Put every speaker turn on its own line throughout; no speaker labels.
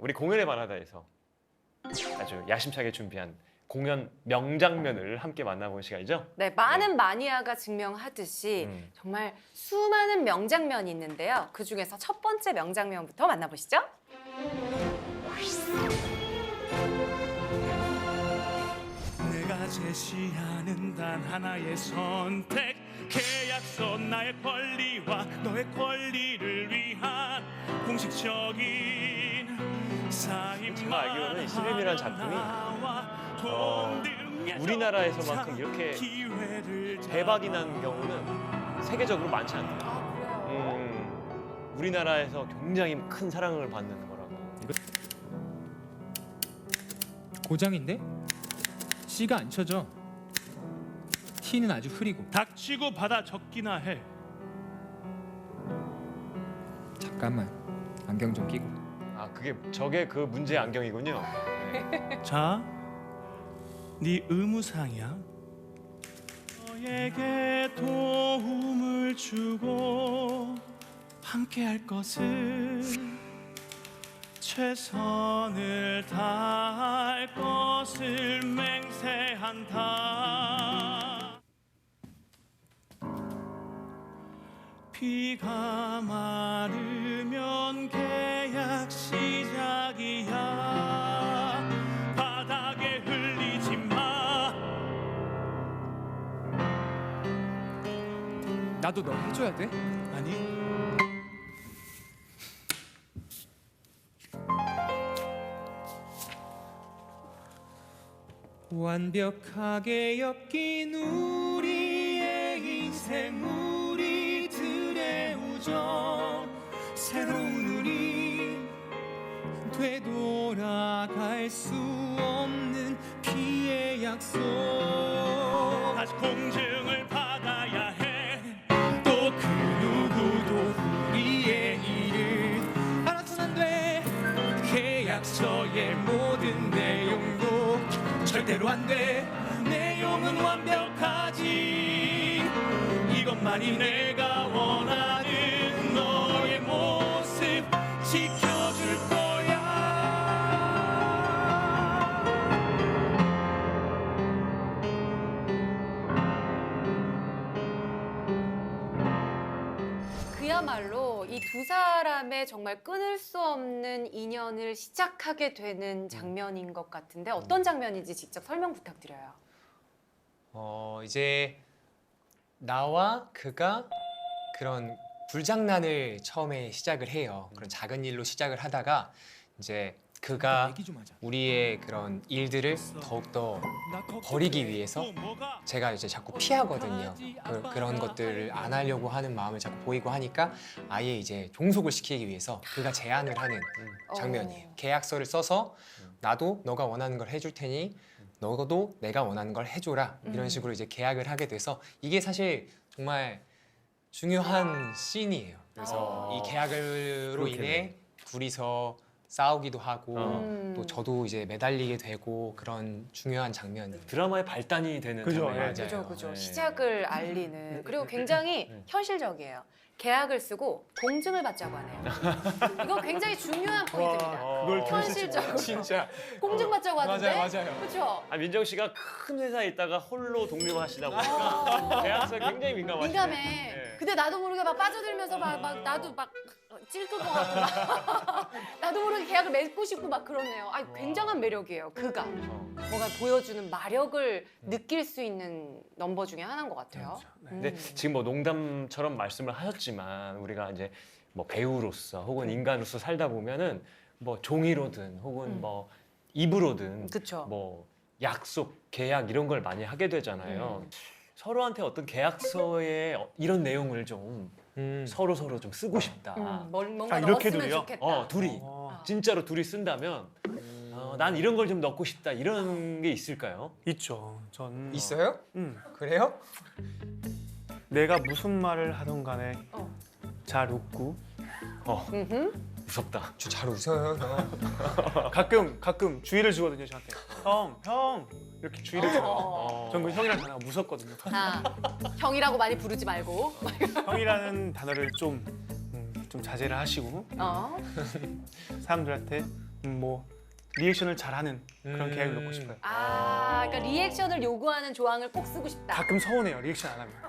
우리 공연의 바라다에서 아주 야심차게 준비한 공연 명장면을 함께 만나보는 시간이죠.
네, 많은 마니아가 증명하듯이 정말 수많은 명장면이 있는데요. 그 중에서 첫 번째 명장면부터 만나보시죠.
내가 제시하는 단 하나의 선택, 계약서 나의 권리와 너의 권리를 위한 공식적인 사인만.
제가 알기로는 이 시름이라는 작품이 우리나라에서만큼 이렇게 대박이 난 경우는 세계적으로 많지 않아요. 우리나라에서 굉장히 큰 사랑을 받는 거라고.
고장인데? C가 안 쳐져. T는 아주 흐리고.
닥치고 받아 적기나 해.
잠깐만, 안경 좀 끼고.
아, 저게 그 문제의 안경이군요. 네.
자, 네 의무사항이야. 너에게 도움을 주고 함께할 것을, 최선을 다할 것을 맹세한다. 비가 마르면 계약 시작이야. 바닥에 흘리지 마.
나도 너 해줘야 돼?
아니,
완벽하게 엮인 우리의 인생, 우리들의 우정, 새로운 우리, 되돌아갈 수 없는 피의 약속.
다시 공증을 받아야 해. 또 그 누구도
우리의 일을 알아서는 안 돼. 계약서의 모든 내용도 절대로 안 돼. 내용은 완벽하지. 이것만이 내가 원하는 너의 모습, 지켜줄 거야.
그야말로 이 두 사람의 정말 끊을 수 없는 인연을 시작하게 되는 장면인 것 같은데 어떤 장면인지 직접 설명 부탁드려요.
이제 나와 그가 그런 불장난을 처음에 시작을 해요. 그런 작은 일로 시작을 하다가 이제 그가
얘기 좀 하자.
우리의 그런 일들을 더욱더 버리기 위해서 제가 이제 자꾸 피하거든요. 그런 것들을 안 하려고 하는 마음을 자꾸 보이고 하니까 아예 이제 종속을 시키기 위해서 그가 제안을 하는 장면이에요. 계약서를 써서 나도 너가 원하는 걸 해줄 테니 너도 내가 원하는 걸 해줘라. 이런 식으로 이제 계약을 하게 돼서 이게 사실 정말 중요한 씬이에요. 그래서 이 계약으로 인해 둘이서 싸우기도 하고 또 저도 이제 매달리게 되고 그런 중요한 장면이에요.
드라마의 발단이 되는
그죠,
장면이에요.
그죠, 그죠.
네.
시작을 알리는. 그리고 굉장히 현실적이에요. 계약을 쓰고 공증을 받자고 하네요. 이거 굉장히 중요한 포인트입니다.
그걸
현실적으로.
진짜
공증 받자고 하는데.
맞아요.
그렇죠.
아, 민정 씨가 큰 회사에 있다가 홀로 독립하시다 보니까 계약서에 굉장히 민감하시네.
민감해.
네.
근데 나도 모르게 막 빠져들면서 막 나도 막 찔끔 것 같고 막 나도 모르게 계약을 맺고 싶고 막 그러네요. 아, 굉장한 매력이에요. 그가 뭔가 보여주는 마력을 느낄 수 있는 넘버 중에 하나인 것 같아요.
근데 지금 뭐 농담처럼 말씀을 하셨지만 우리가 이제 뭐 배우로서 혹은 인간으로서 살다 보면은 뭐 종이로든 혹은 뭐 입으로든
그쵸.
뭐 약속, 계약 이런 걸 많이 하게 되잖아요. 서로한테 어떤 계약서에 이런 내용을 좀 서로 좀 쓰고 싶다.
뭔가
이렇게
넣었으면
둘이요?
좋겠다.
둘이 진짜로 둘이 쓴다면 난 이런 걸 좀 넣고 싶다 이런 게 있을까요?
있죠. 전
있어요? 그래요?
내가 무슨 말을 하던 간에 잘 웃고
무섭다.
저 잘 웃어요, 형.
가끔 주의를 주거든요, 저한테. 형 이렇게 주의를 줘요. 전 그 형이라는 단어가 무섭거든요.
아, 형이라고 많이 부르지 말고.
형이라는 단어를 좀 자제를 하시고
어?
사람들한테 뭐 리액션을 잘하는 그런 계약을 넣고 싶어요.
그러니까 리액션을 요구하는 조항을 꼭 쓰고 싶다.
가끔 서운해요 리액션 안 하면.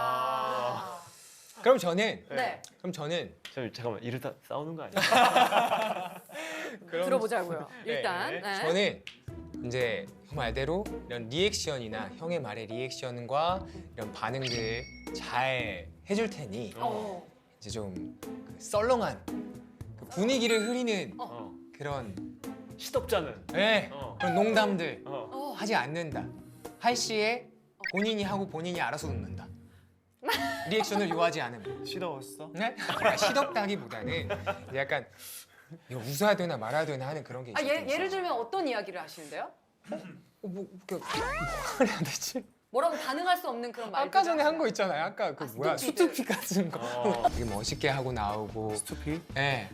그럼 저는
네.
잠깐만 이러다 싸우는 거 아니야?
들어보자고요. 일단 네.
저는 이제 형 말대로 이런 리액션이나 형의 말의 리액션과 이런 반응들 잘 해줄 테니 이제 좀그 썰렁한 그 분위기를 흐리는
어.
그런
시덥잖은.
네, 그런 농담들
어.
하지 않는다. 할 시에 본인이 하고 본인이 알아서 웃는다. 리액션을 요하지 않음.
시더웠어?
네? 시덥다기보다는 이제 약간 이거 웃어야 되나 말아야 되나 하는 그런 게 있어요.
예를 들면 어떤 이야기를 하시는데요?
뭐 해야 되지?
뭐라고 반응할 수 없는 그런 말들.
아까 전에 한 거 있잖아요. 아까 그 뭐야
스투피드.
수트핏 같은 거
어.
되게 멋있게 하고 나오고.
스투피?
예.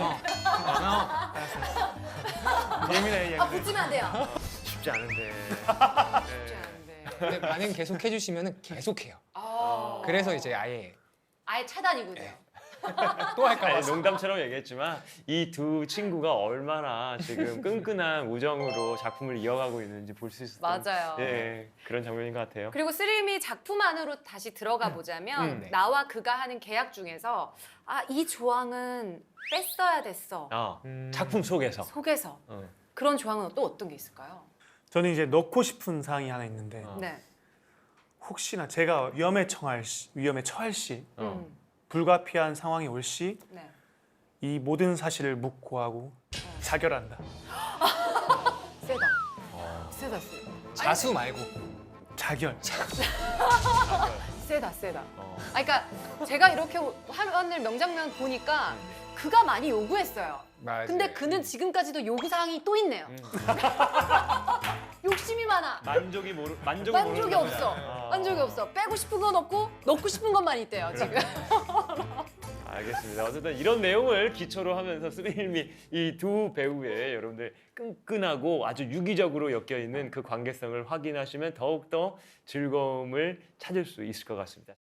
예민해 예민해.
붙이면 안 돼요.
쉽지 않은데.
쉽지 않은데.
근데 반응 계속 해주시면은 계속해요. 그래서 이제 아예
아예 차단이군요.
또 할까
아니,
봐.
농담처럼 얘기했지만 이 두 친구가 얼마나 지금 끈끈한 우정으로 작품을 이어가고 있는지 볼 수 있었던
맞아요.
예, 그런 장면인 것 같아요.
그리고 스림이 작품 안으로 다시 들어가 보자면
네.
나와 그가 하는 계약 중에서 이 조항은 뺐어야 됐어.
작품 속에서.
속에서
어.
그런 조항은 또 어떤 게 있을까요?
저는 이제 넣고 싶은 사항이 하나 있는데
네.
혹시나 제가 위험에 처할 시
어.
불가피한 상황이 올 시 이
네.
모든 사실을 묵고하고 자결한다.
세다. 세다.
자수 말고.
자결.
세다.
어.
그러니까 제가 이렇게 화면을 명장면 보니까 그가 많이 요구했어요.
맞아요.
근데 그는 지금까지도 요구 사항이 또 있네요. 욕심이 많아.
만족이
만족이 없어. 만족이 없어. 빼고 싶은 건 없고 넣고 싶은 것만 있대요 지금.
알겠습니다. 어쨌든 이런 내용을 기초로 하면서 스릴미 이 두 배우의 여러분들 끈끈하고 아주 유기적으로 엮여 있는 그 관계성을 확인하시면 더욱더 즐거움을 찾을 수 있을 것 같습니다.